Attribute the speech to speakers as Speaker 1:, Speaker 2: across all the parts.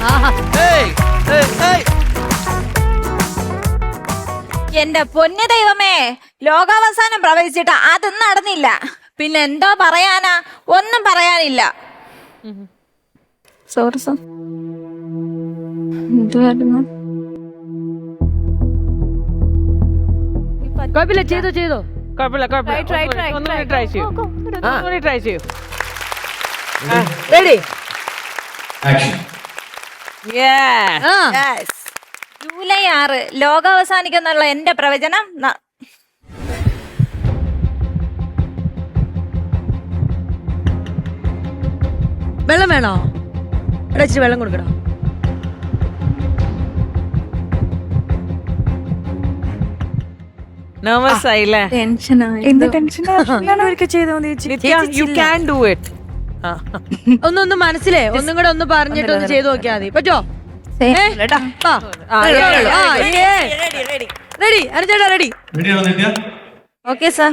Speaker 1: എന്റെ പൊന്നു ദൈവമേ, ലോകാവസാനം പ്രവചിച്ചിട്ട് അത് നടന്നില്ല. പിന്നെ എന്തോ പറയാനാ? ഒന്നും പറയാനില്ല. Sorry sir. എന്തുവായിരുന്നു?
Speaker 2: കുഴപ്പമില്ല, ചെയ്തോ കുഴപ്പമില്ല. ട്രൈ ചെയ്യൂ. റെഡി?
Speaker 1: ജൂലൈ 6 ലോകാവസാനിക്കുന്നുള്ള എന്റെ പ്രവചനം
Speaker 2: വെള്ളം വേണോ? ഇച്ചിരി വെള്ളം കൊടുക്കണോ? നെർവസ് ആയില്ലേ? ഒന്നൊന്ന് മനസ്സിലേ ഒന്നും കൂടെ ഒന്ന് പറഞ്ഞിട്ട് ഒന്ന് ചെയ്ത് നോക്കിയാൽ മതി. പറ്റോ? റെഡി? അനുചേട്ടാ റെഡി?
Speaker 1: Okay sir.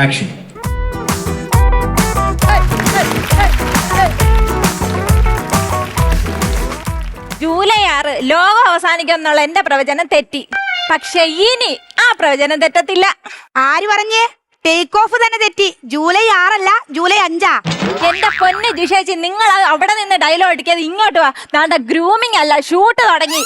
Speaker 1: ജൂലൈ 6 ലോകം അവസാനിക്കുന്നുള്ള എന്റെ പ്രവചനം തെറ്റി. പക്ഷെ ഇനി ആ പ്രവചനം തെറ്റത്തില്ല.
Speaker 3: ആര് പറഞ്ഞേ? ടേക്ക് ഓഫ് തന്നെ തെറ്റി. ജൂലൈ 6 അല്ല, ജൂലൈ 5.
Speaker 1: എന്റെ പൊന്ന് ജിഷേച്ചി, നിങ്ങൾ അവിടെ നിന്ന് ഡയലോഗ് അടിക്കാതെ ഇങ്ങോട്ട് വാ. നാണ്ട ഗ്രൂമിംഗ് അല്ല, ഷൂട്ട് തുടങ്ങി.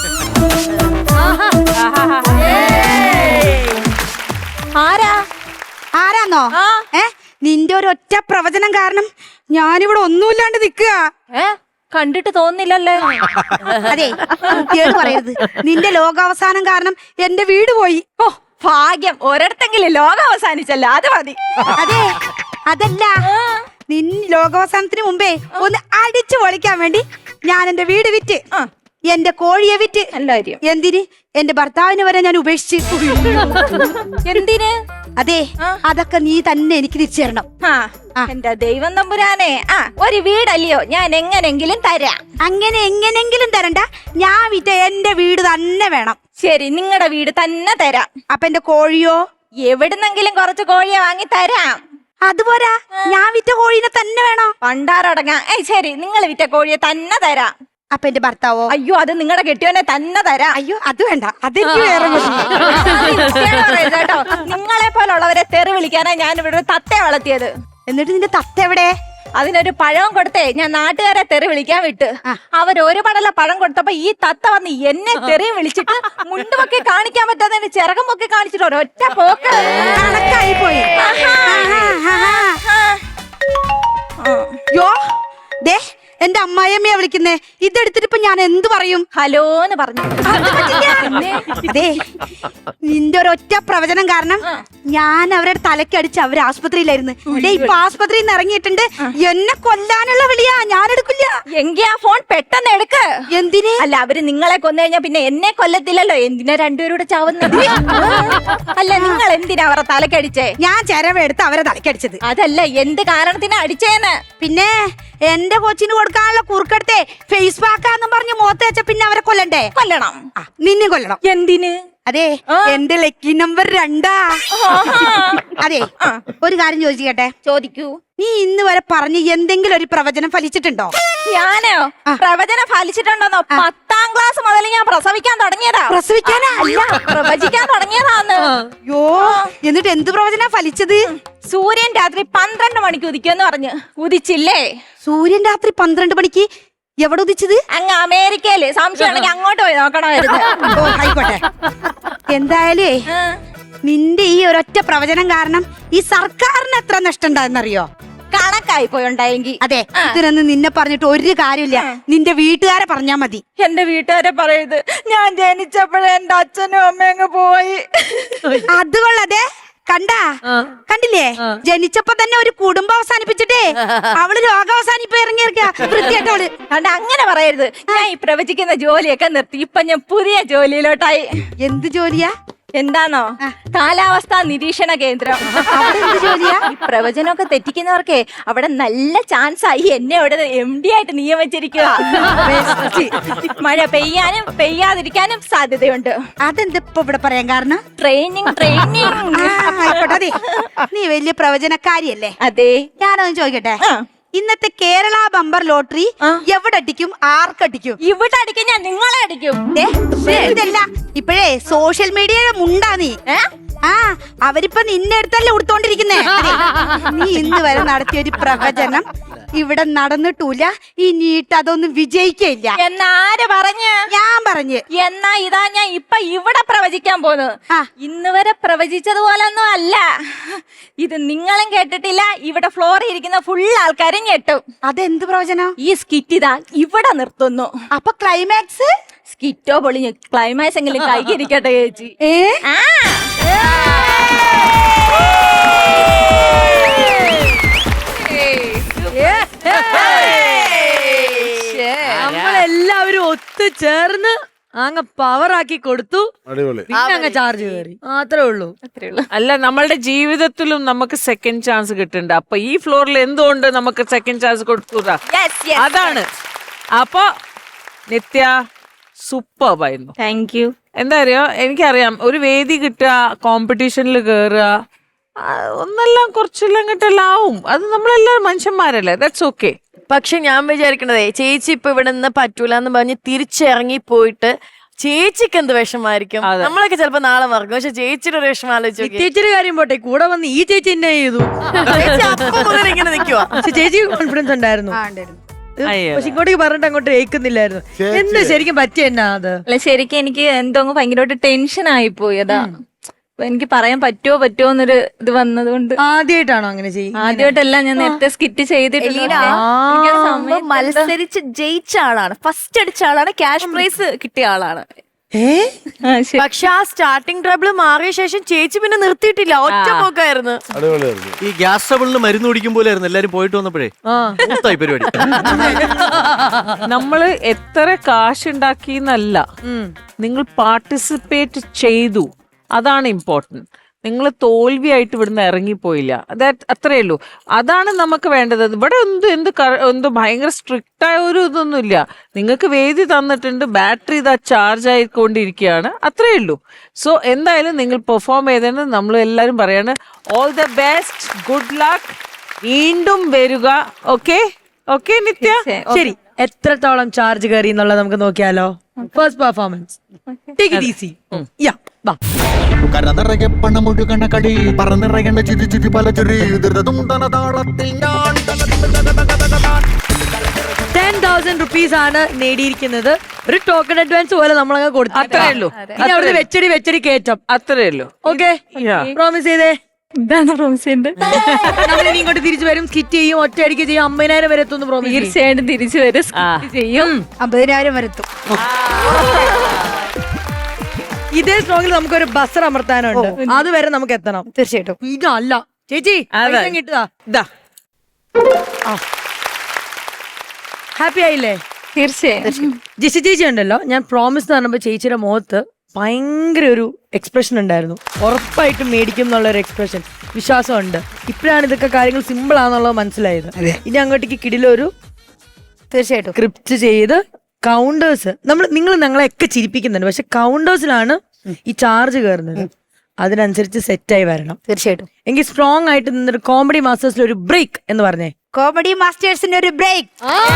Speaker 3: ആരാന്നോ? നിന്റെ ഒരു ഒറ്റ പ്രവചനം കാരണം ഞാനിവിടെ ഒന്നുമില്ലാണ്ട് നിക്കുക.
Speaker 1: കണ്ടിട്ട് തോന്നില്ലല്ലേ?
Speaker 3: അതെ, കുട്ടിയോട് പറയരുത്. നിന്റെ ലോകാവസാനം കാരണം എന്റെ വീട് പോയി.
Speaker 1: ഓ ഭാഗ്യം, ഒരിടത്തെങ്കിലും ലോകം അവസാനിച്ചല്ല, അത് മതി.
Speaker 3: അതെ, അതല്ല, ലോകാവസാനത്തിന് മുമ്പേ ഒന്ന് അടിച്ചു പൊളിക്കാൻ വേണ്ടി ഞാൻ എന്റെ വീട് വിറ്റ്, എന്റെ കോഴിയെ വിറ്റ്.
Speaker 1: എല്ലാരും
Speaker 3: എന്തിന്? എന്റെ ഭർത്താവിനെ വരെ ഞാൻ ഉപേക്ഷിച്ചു.
Speaker 1: എന്തിന്?
Speaker 3: അതെ, അതൊക്കെ നീ തന്നെ എനിക്ക് തിരിച്ചു തരണം.
Speaker 1: എന്റെ ദൈവം തമ്പുരാനെ, ഒരു വീടല്ലയോ, ഞാൻ എങ്ങനെങ്കിലും തരാം.
Speaker 3: അങ്ങനെ എങ്ങനെങ്കിലും തരണ്ട, ഞാൻ വിറ്റ എന്റെ വീട് തന്നെ വേണം.
Speaker 1: ശരി, നിങ്ങളുടെ വീട് തന്നെ തരാം.
Speaker 3: അപ്പൊ എന്റെ കോഴിയോ?
Speaker 1: എവിടുന്നെങ്കിലും കുറച്ച് കോഴിയെ വാങ്ങി തരാം.
Speaker 3: അതുപോരാ, ഞാൻ വിറ്റ കോഴീനെ തന്നെ വേണോ?
Speaker 1: പണ്ടാറടങ്ങാ. ശരി, നിങ്ങൾ വിറ്റ കോഴിയെ തന്നെ തരാം.
Speaker 3: അപ്പൊ എന്റെ ഭർത്താവോ?
Speaker 1: അയ്യോ, അത് നിങ്ങളുടെ കെട്ടിയോനെ തന്നെ തരാം.
Speaker 3: അയ്യോ, അത് വേണ്ട, അതെനിക്ക് വേറെ
Speaker 1: കേട്ടോ. നിങ്ങളെ പോലുള്ളവരെ തെറി വിളിക്കാനാ ഞാൻ ഇവിടെ ഒരു തത്തയെ വളർത്തിയത്.
Speaker 3: എന്നിട്ട് നിന്റെ തത്ത എവിടെ?
Speaker 1: അതിനൊരു പഴം കൊടുത്തേ ഞാൻ നാട്ടുകാരെ തെറി വിളിക്കാൻ വിട്ട്. അവരൊരു പടല പഴം കൊടുത്തപ്പോ ഈ തത്ത വന്ന് എന്നെ തെറി വിളിച്ചിട്ട് മുണ്ടുമൊക്കെ കാണിക്കാൻ പറ്റാതെ ചിറകമൊക്കെ കാണിച്ചിട്ട് ഒരൊറ്റ പോക്ക്
Speaker 3: കണക്കായി പോയി. യോ ദേ, എന്റെ അമ്മായിയമ്മയെ വിളിക്കുന്നേ. ഇതെടുത്തിട്ട് ഇപ്പൊ ഞാൻ എന്ത് പറയും?
Speaker 1: ഹലോന്ന് പറഞ്ഞു.
Speaker 3: അതെ, നിന്റെ ഒരൊറ്റ പ്രവചനം കാരണം ഞാൻ അവരുടെ തലക്കടിച്ച് അവര് ആസ്പത്രിയിലായിരുന്നു. ഇപ്പൊ ആസ്പത്രിയിൽ നിന്ന് ഇറങ്ങിയിട്ടുണ്ട്. എന്നെ കൊല്ലാനുള്ള വിളിയാ, ഞാൻ എടുക്കില്ല.
Speaker 1: എങ്കി ആ ഫോൺ പെട്ടെന്ന് എടുക്ക്.
Speaker 3: എന്തിന്?
Speaker 1: അല്ല, അവര് നിങ്ങളെ കൊന്നു കഴിഞ്ഞാ പിന്നെ എന്നെ കൊല്ലത്തില്ലല്ലോ. എന്തിനാ രണ്ടുപേരൂടെ ചാവുന്നത്? അല്ല, നിങ്ങൾ എന്തിനാ അവരെ തലക്കടിച്ചേ?
Speaker 3: ഞാൻ ചെരവെടുത്ത് അവരെ തലക്കടിച്ചത്.
Speaker 1: അതല്ല, എന്ത് കാരണത്തിനാ അടിച്ചേന്ന്?
Speaker 3: പിന്നെ എന്റെ കൊച്ചിന് കൊടുക്കാനുള്ള കുറുക്കെടുത്തേ ഫേസ് പാക്കാന്നും പറഞ്ഞ് മുഖത്ത് വെച്ച പിന്നെ അവരെ കൊല്ലണ്ടേ?
Speaker 1: കൊല്ലണം.
Speaker 3: നിന്നെ കൊല്ലണം.
Speaker 1: എന്തിന്?
Speaker 3: അതെ, എന്റെ ലക്കി നമ്പർ 2. അതെ, ഒരു കാര്യം ചോദിക്കട്ടെ?
Speaker 1: ചോദിക്കൂ.
Speaker 3: നീ ഇന്ന് വരെ പറഞ്ഞ് എന്തെങ്കിലും ഒരു പ്രവചനം ഫലിച്ചിട്ടുണ്ടോ?
Speaker 1: ഞാനോ പ്രവചനം ഫലിച്ചിട്ടുണ്ടോന്നോ? 10ാം ക്ലാസ് മുതൽ ഞാൻ പ്രസവിക്കാൻ തുടങ്ങിയതാ.
Speaker 3: പ്രസവിക്കാനാ?
Speaker 1: പ്രവചിക്കാൻ തുടങ്ങിയതാന്ന്.
Speaker 3: യോ, എന്നിട്ട് എന്ത് പ്രവചനാ ഫലിച്ചത്?
Speaker 1: സൂര്യൻ രാത്രി 12 മണിക്ക് ഉദിക്കുമെന്ന് പറഞ്ഞ് ഉദിച്ചില്ലേ?
Speaker 3: സൂര്യൻ രാത്രി 12 മണിക്ക് എവിടെ ഉദിച്ചത്?
Speaker 1: അങ്ങ് അമേരിക്കയില്. സംശയമാണെങ്കിൽ അങ്ങോട്ട് പോയി നോക്കണമായിരുന്നു.
Speaker 3: ആയിക്കോട്ടെ. എന്തായാലേ നിന്റെ ഈ ഒരൊറ്റ പ്രവചനം കാരണം ഈ സർക്കാരിന് എത്ര നഷ്ടം ഉണ്ടായെന്നറിയോ?
Speaker 1: കണക്കായി പോയുണ്ടായെങ്കിൽ.
Speaker 3: അതെ, ഇതിനൊന്നും നിന്നെ പറഞ്ഞിട്ട് ഒരു കാര്യമില്ല. നിന്റെ വീട്ടുകാരെ പറഞ്ഞാ മതി.
Speaker 1: എന്റെ വീട്ടുകാരെ പറയരുത്. ഞാൻ ജനിച്ചപ്പോഴേ എന്റെ അച്ഛനും അമ്മയും പോയി.
Speaker 3: അത് കൊള്ളതെ കണ്ടില്ലേ? ജനിച്ചപ്പോ തന്നെ ഒരു കുടുംബം അവസാനിപ്പിച്ചിട്ടേ അവള് രോഗം അവസാനിപ്പോ ഇറങ്ങിയിരിക്കാ. വൃത്തിയായിട്ടവള്.
Speaker 1: കണ്ട, അങ്ങനെ പറയരുത്. ഞാൻ ഈ പ്രവചിക്കുന്ന ജോലിയൊക്കെ നിർത്തി. ഇപ്പൊ ഞാൻ പുതിയ ജോലിയിലോട്ടായി.
Speaker 3: എന്ത് ജോലിയാ?
Speaker 1: എന്താണോ? കാലാവസ്ഥാ നിരീക്ഷണ കേന്ദ്രം.
Speaker 3: എന്ത് ജോലിയാ?
Speaker 1: പ്രവചനമൊക്കെ തെറ്റിക്കുന്നവർക്കേ അവിടെ നല്ല ചാൻസ് ആയി. എന്നെ അവിടെ MD ആയിട്ട് നിയമിച്ചിരിക്കുക. മഴ പെയ്യാനും പെയ്യാതിരിക്കാനും സാധ്യതയുണ്ട്.
Speaker 3: അതെന്തിപ്പോ ഇവിടെ പറയാൻ കാരണം?
Speaker 1: ട്രെയിനിങ്.
Speaker 3: ആയിക്കോട്ടെ. നീ വലിയ പ്രവചനക്കാരിയല്ലേ?
Speaker 1: അതെ.
Speaker 3: ഞാനൊന്ന് ചോദിക്കട്ടെ, ഇന്നത്തെ കേരള ബമ്പർ ലോട്ടറി എവിടെ അടിക്കും, ആർക്കടിക്കും?
Speaker 1: ഇവിടെ അടിക്കും ഞാൻ, നിങ്ങളെ അടിക്കും.
Speaker 3: ഇതല്ല ഇപ്പോഴേ സോഷ്യൽ മീഡിയയുടെ മുണ്ടാ നീ. ആ അവരിപ്പൊ നിന്നെ അടുത്തല്ലേ ഉടുത്തോണ്ടിരിക്കുന്നേ. നീ ഇന്ന് വരെ നടത്തിയ ഒരു പ്രവചനം ഇവിടെ നടന്നിട്ടില്ല, ഇനിയിട്ട് അതൊന്നും വിജയിക്കില്ല
Speaker 1: എന്നാര് പറഞ്ഞ്?
Speaker 3: ഞാൻ പറഞ്ഞ്.
Speaker 1: എന്നാ ഇതാ ഞാൻ ഇപ്പൊ ഇവിടെ പ്രവചിക്കാൻ പോന്നു. ഇന്ന് വരെ പ്രവചിച്ചതുപോലൊന്നും അല്ല. ഇത് നിങ്ങളും കേട്ടിട്ടില്ല, ഇവിടെ ഫ്ലോറിൽ ഇരിക്കുന്ന ഫുൾ ആൾക്കാരും ഞെട്ടും.
Speaker 3: അതെന്ത് പ്രവചനം?
Speaker 1: ഈ സ്കിറ്റ് ഇതാ ഇവിടെ നിർത്തുന്നു.
Speaker 3: അപ്പൊ ക്ലൈമാക്സ്?
Speaker 1: സ്കിറ്റോ പൊളിഞ്ഞ് ക്ലൈമാക്സ് എങ്കിലും കൈകരിക്കട്ടെ ചേച്ചി.
Speaker 2: നമ്മളെല്ലാവരും ഒത്തുചേർന്ന് അങ്ങ് പവറാക്കി കൊടുത്തു. പിന്നെ അങ്ങ് ചാർജ് കയറി, അത്രേ ഉള്ളൂ.
Speaker 4: അല്ല, നമ്മളുടെ ജീവിതത്തിലും നമുക്ക് സെക്കൻഡ് ചാൻസ് കിട്ടുന്നുണ്ട്. അപ്പൊ ഈ ഫ്ലോറിൽ എന്തുകൊണ്ട് നമുക്ക് സെക്കൻഡ് ചാൻസ് കൊടുക്കൂടാ? അതാണ്. അപ്പൊ നിത്യ സൂപ്പർബായിരുന്നു.
Speaker 1: Thank you.
Speaker 4: എന്താ അറിയോ, എനിക്കറിയാം ഒരു വേദി കിട്ടുക, കോമ്പറ്റീഷനിൽ കയറുക, ഒന്നെല്ലാം കുറച്ചെല്ലാം കിട്ടെല്ലാം ആവും. അത് നമ്മളെല്ലാവരും മനുഷ്യന്മാരല്ലേ, ദാറ്റ്സ് ഓക്കെ.
Speaker 5: പക്ഷെ ഞാൻ വിചാരിക്കണതേ, ചേച്ചി ഇപ്പൊ ഇവിടെ നിന്ന് പറ്റൂല എന്ന് പറഞ്ഞ് തിരിച്ചിറങ്ങി പോയിട്ട് ചേച്ചിക്ക് എന്ത് വിഷമായിരിക്കും. നമ്മളൊക്കെ ചിലപ്പോ നാളെ മറക്കും, പക്ഷെ ചേച്ചിയുടെ ഒരു വിഷമം ആലോചിച്ചു.
Speaker 2: ചേച്ചിയുടെ കാര്യം പോട്ടെ, കൂടെ വന്ന് ഈ ചേച്ചി എന്നെ ചെയ്തു.
Speaker 5: ഇങ്ങനെ നിക്കുവാ.
Speaker 2: പക്ഷെ ചേച്ചിക്ക് കോൺഫിഡൻസ് ഉണ്ടായിരുന്നു. പക്ഷെ ഇങ്ങോട്ടേക്ക് പറഞ്ഞിട്ട് അങ്ങോട്ട് കേൾക്കുന്നില്ലായിരുന്നു. എന്താ ശരിക്കും പറ്റിയ എന്നാ അത്?
Speaker 1: അല്ല, ശരിക്കും എനിക്ക് എന്തോ ഭയങ്കരമായിട്ട് ടെൻഷൻ ആയി പോയി. അതാ എനിക്ക് പറയാൻ പറ്റുമോ എന്നൊരു ഇത് വന്നതുകൊണ്ട്.
Speaker 2: ആദ്യമായിട്ടാണോ അങ്ങനെ ചെയ്യുന്നത്?
Speaker 1: ആദ്യമായിട്ടല്ല, ഞാൻ നേരത്തെ സ്കിറ്റ് ചെയ്തിട്ടില്ല.
Speaker 5: മത്സരിച്ച് ജയിച്ച ആളാണ്, ഫസ്റ്റ് അടിച്ച ആളാണ്, ക്യാഷ് പ്രൈസ് കിട്ടിയ ആളാണ്. പക്ഷെ ആ സ്റ്റാർട്ടിംഗ് ട്രബിൾ മാറിയ ശേഷം ചേച്ചി പിന്നെ നിർത്തിയിട്ടില്ല, ഒറ്റ പോക്കായിരുന്നു.
Speaker 6: ഈ ഗ്യാസ് ട്രബിളിന് മരുന്ന് കുടിക്കുമ്പോലായിരുന്നു എല്ലാരും പോയിട്ട് വന്നപ്പോഴേ മൂത്തായി പരിപാടി.
Speaker 4: നമ്മള് എത്ര കാശ് ഉണ്ടാക്കിന്നല്ല, നിങ്ങൾ പാർട്ടിസിപ്പേറ്റ് ചെയ്തു, അതാണ് ഇമ്പോർട്ടന്റ്. നിങ്ങൾ തോൽവിയായിട്ട് ഇവിടുന്ന് ഇറങ്ങിപ്പോയില്ല, അത്രേ ഉള്ളൂ. അതാണ് നമുക്ക് വേണ്ടത്. ഇവിടെ എന്ത് ഭയങ്കര സ്ട്രിക്റ്റ് ആയ ഒരു ഇതൊന്നുമില്ല. നിങ്ങൾക്ക് വേദി തന്നിട്ടുണ്ട്, ബാറ്ററി ഇതാ ചാർജ് ആയിക്കൊണ്ടിരിക്കുകയാണ്, അത്രേ ഉള്ളൂ. സോ എന്തായാലും നിങ്ങൾ പെർഫോം ചെയ്തതിന് നമ്മൾ എല്ലാവരും പറയാണ് all the best, good luck, വീണ്ടും വരിക. Okay okay Nithya?
Speaker 2: ശരി, എത്രത്തോളം ചാർജ് കയറി എന്നുള്ളത് നമുക്ക് നോക്കിയാലോ. First performance, take it easy. യാ വാ.
Speaker 7: കരനിറയെ പണമൊഴുകണ കളി, പറന്നിറയേണ്ട ചിരി ചിരി പല ചിരി, താളത്തിൽ ഞാൻ
Speaker 2: 10,000 rupees ആണ് നേടിയിരിക്കുന്നത്. ഒരു ടോക്കൺ അഡ്വാൻസ് പോലെ നമ്മളങ്ങ് കൊടുത്തു,
Speaker 4: അത്രേ ഉള്ളൂ.
Speaker 2: ഇനി അവിടുന്ന് വെച്ചടി കയറ്റം,
Speaker 4: അത്രേ ഉള്ളൂ.
Speaker 2: ഓക്കെ? പ്രോമിസ് ചെയ്തേ.
Speaker 1: ഇതാണ് പ്രോമിസ് ചെയ്യുന്നത്.
Speaker 2: നമ്മളിനി ഇങ്ങോട്ട് തിരിച്ചു വരും, സ്കിറ്റ് ചെയ്യും, ഒറ്റയടിക്ക് ചെയ്യും, 50,000 വരെ എത്തുന്നു. പ്രോമിസ്?
Speaker 1: തീർച്ചയായിട്ടും തിരിച്ചു വരും, ചെയ്യും.
Speaker 3: 50,000 വരെത്തും.
Speaker 2: ഇതേ സ്ട്രോങ്ങിൽ നമുക്കൊരു ബസർ അമർത്താനുണ്ട്, അതുവരെ നമുക്ക് എത്തണം.
Speaker 3: തീർച്ചയായിട്ടും.
Speaker 2: ഇതല്ല ചേച്ചി, കിട്ടുക. ഹാപ്പി ആയില്ലേ?
Speaker 1: തീർച്ചയായും.
Speaker 2: ജിഷി ചേച്ചി ഉണ്ടല്ലോ, ഞാൻ പ്രോമിസ് എന്ന് പറഞ്ഞപ്പോ ചേച്ചിയുടെ മുഖത്ത് ഭയങ്കര ഒരു എക്സ്പ്രഷൻ ഉണ്ടായിരുന്നു. ഉറപ്പായിട്ടും മേടിക്കും എന്നുള്ളൊരു എക്സ്പ്രഷൻ, വിശ്വാസമുണ്ട്. ഇപ്പോഴാണ് ഇതൊക്കെ കാര്യങ്ങൾ സിമ്പിൾ ആണെന്നുള്ളത് മനസ്സിലായത്. ഇനി അങ്ങോട്ടേക്ക് കിടിലൊരു
Speaker 3: തീർച്ചയായിട്ടും
Speaker 2: സ്ക്രിപ്റ്റ് ചെയ്ത് കൗണ്ടേഴ്സ്, നിങ്ങൾ ഞങ്ങളെയൊക്കെ ചിരിപ്പിക്കുന്നുണ്ട്, പക്ഷെ കൗണ്ടേഴ്സിലാണ് ഈ ചാർജ് കയറുന്നത്. അതിനനുസരിച്ച് സെറ്റായി വരണം.
Speaker 3: തീർച്ചയായിട്ടും.
Speaker 2: എങ്കിൽ സ്ട്രോങ് ആയിട്ട് നിന്നൊരു കോമഡി മാസ്റ്റേഴ്സിൽ ഒരു ബ്രേക്ക് എന്ന് പറഞ്ഞേ.
Speaker 3: കോമഡി മാസ്റ്റേഴ്സിന്റെ ഒരു ബ്രേക്ക്.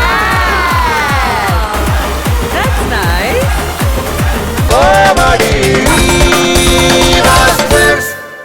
Speaker 7: കോമഡി